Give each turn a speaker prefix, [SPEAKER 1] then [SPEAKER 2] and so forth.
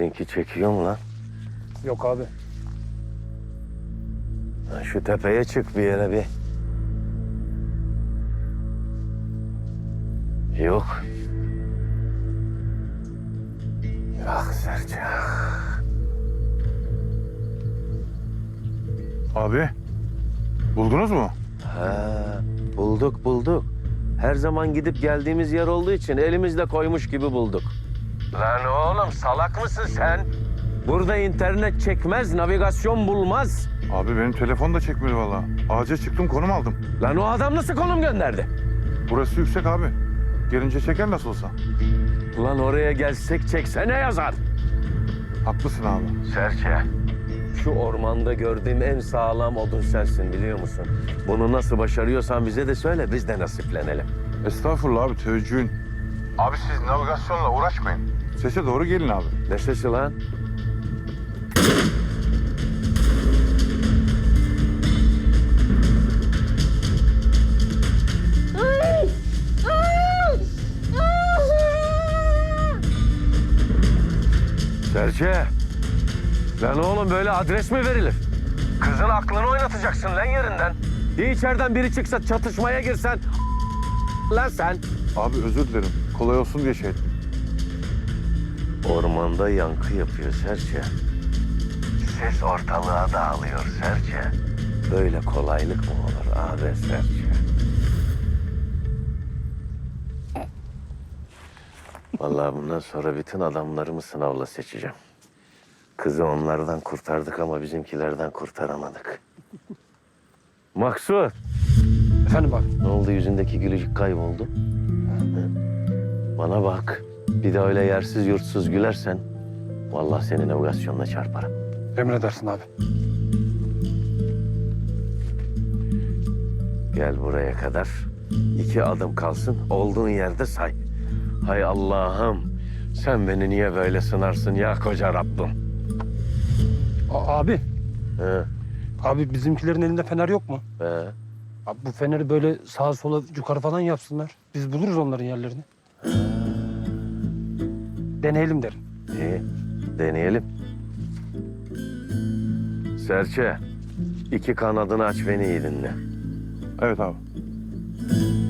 [SPEAKER 1] Sizinki çekiyor mu lan?
[SPEAKER 2] Yok abi.
[SPEAKER 1] Lan şu tepeye çık bir yere bir. Yok. Ah Serçe.
[SPEAKER 3] Abi, buldunuz mu?
[SPEAKER 1] Ha, bulduk. Her zaman gidip geldiğimiz yer olduğu için elimizle koymuş gibi bulduk. Lan oğlum salak mısın sen? Burada internet çekmez, navigasyon bulmaz.
[SPEAKER 3] Abi benim telefon da çekmedi vallahi. Ağaca çıktım, konum aldım.
[SPEAKER 1] Lan o adam nasıl konum gönderdi?
[SPEAKER 3] Burası yüksek abi. Gelince çeker nasıl olsa.
[SPEAKER 1] Ulan oraya gelsek çeksene yazar.
[SPEAKER 3] Haklısın abi.
[SPEAKER 1] Serçe. Şu ormanda gördüğüm en sağlam odun sensin biliyor musun? Bunu nasıl başarıyorsan bize de söyle, biz de nasiplenelim.
[SPEAKER 3] Estağfurullah abi, teveccühün. Abi siz navigasyonla uğraşmayın. Sese doğru gelin abi.
[SPEAKER 1] Ne sesi lan? Serçe. Lan oğlum böyle adres mi verilir? Kızın aklını oynatacaksın lan yerinden. Ya içeriden biri çıksa çatışmaya girsen lan sen.
[SPEAKER 3] Abi özür dilerim. Kolay olsun diye şey ettim.
[SPEAKER 1] Ormanda yankı yapıyor Serçe. Ses ortalığa dağılıyor Serçe. Böyle kolaylık mı olur abi Serçe? Vallahi bundan sonra bütün adamlarımı sınavla seçeceğim. Kızı onlardan kurtardık ama bizimkilerden kurtaramadık. Maksut,
[SPEAKER 2] Efendim abi.
[SPEAKER 1] ne oldu yüzündeki gülücük kayboldu? Hı? Bana bak, bir de öyle yersiz yurtsuz gülersen... ...vallahi seni navigasyonla çarparım.
[SPEAKER 2] Emredersin abi.
[SPEAKER 1] Gel buraya kadar. 2 adım kalsın, olduğun yerde say. Hay Allah'ım, sen beni niye böyle sınarsın ya koca Rabbim?
[SPEAKER 2] Abi.
[SPEAKER 1] He,
[SPEAKER 2] Abi bizimkilerin elinde fener yok mu?
[SPEAKER 1] he.
[SPEAKER 2] Abi bu feneri böyle sağa sola yukarı falan yapsınlar. Biz buluruz onların yerlerini. Deneyelim derim.
[SPEAKER 1] İyi, deneyelim. Serçe, 2 kanadını aç beni iyi dinle.
[SPEAKER 3] Evet abi.